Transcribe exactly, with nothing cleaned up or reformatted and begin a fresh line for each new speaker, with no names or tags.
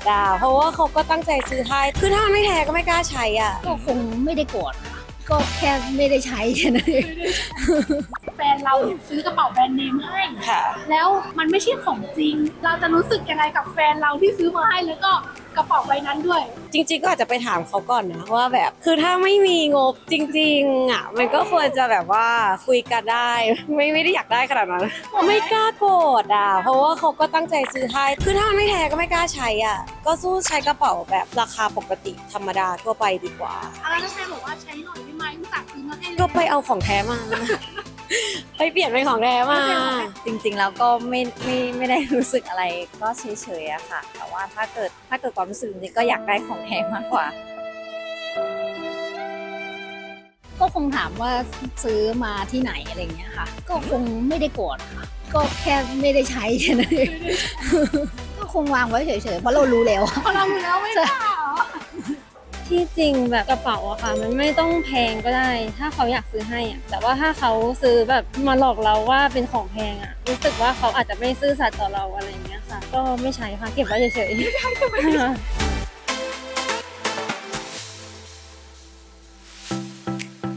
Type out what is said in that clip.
อ่ะเพราะว่าเขาก็ตั้งใจซื้อให้คือถ้ามันไม่แท้ก็ไม่กล้าใช้อ่ะ
ก็คงไม่ได้โกรธค่ะก็แค่ไม่ได้ใช้แค่นั้นเอง
แฟนเราเนี่ยซื้อกระเป๋าแบรนด์เนมให้
ค่ะ
แล้วมันไม่ใช่ของจริง เราจะรู้สึกยังไงกับแฟนเราที่ซื้อมาให้แล้วก็กระเป๋าใบนั้นด้วย
จริงๆก็อาจจะไปถามเขาก่อนนะว่าแบบคือถ้าไม่มีงบจริงๆอ่ะมันก็ควรจะแบบว่าคุยกันได้ ไม่ไม่ได้อยากได้ขนาดนั้นไม่กล้าโกรธอ่ะเพราะว่าเขาก็ตั้งใจซื้อให้คือถ้ามันไม่แท้ก็ไม่กล้าใช้อ่ะก็สู้ใช้กระเป๋าแบบราคาปกติธรรมดาทั่วไปดีกว่า
แล้วถ้าแฟนบอกว่าใช้หน่อยได้ไหมอุตส่าห์ซื้อมาให้
ก็ไปเอาของแท้มา ไปเปลี่ยนเป็นของแท้มา
จริงๆแล้วก็ไม่ไม่ไม่ได้รู้สึกอะไรก็เฉยๆอะค่ะ แต่ว่าถ้าเกิดถ้าเกิดความรู้สึกจริงๆก็อยากได้ของแท้มากกว่า
ก็คงถามว่าซื้อมาที่ไหนอะไรเงี้ยค่ะ ก็คงไม่ได้โกรธค่ะ ก็แค่ไม่ได้ใช้แค่นั้นเอง ก็คงวางไว้เฉยๆเพราะเรารู้แล้ว
พอเราอยู่แล้วไม่กล้าเหรอ
ที่จริงแบบกระเป๋าอะค่ะมันไม่ต้องแพงก็ได้ ถ้าเขาอยากซื้อให้อะแต่ว่าถ้าเขาซื้อแบบมาหลอกเราว่าเป็นของแพงอะรู้สึกว่าเขาอาจจะไม่ซื่อสัตย์ต่อเราอะไรอย่างเงี้ยค่ะ ก็ไม่ใช้ค่ะเก็บไว้เฉยๆ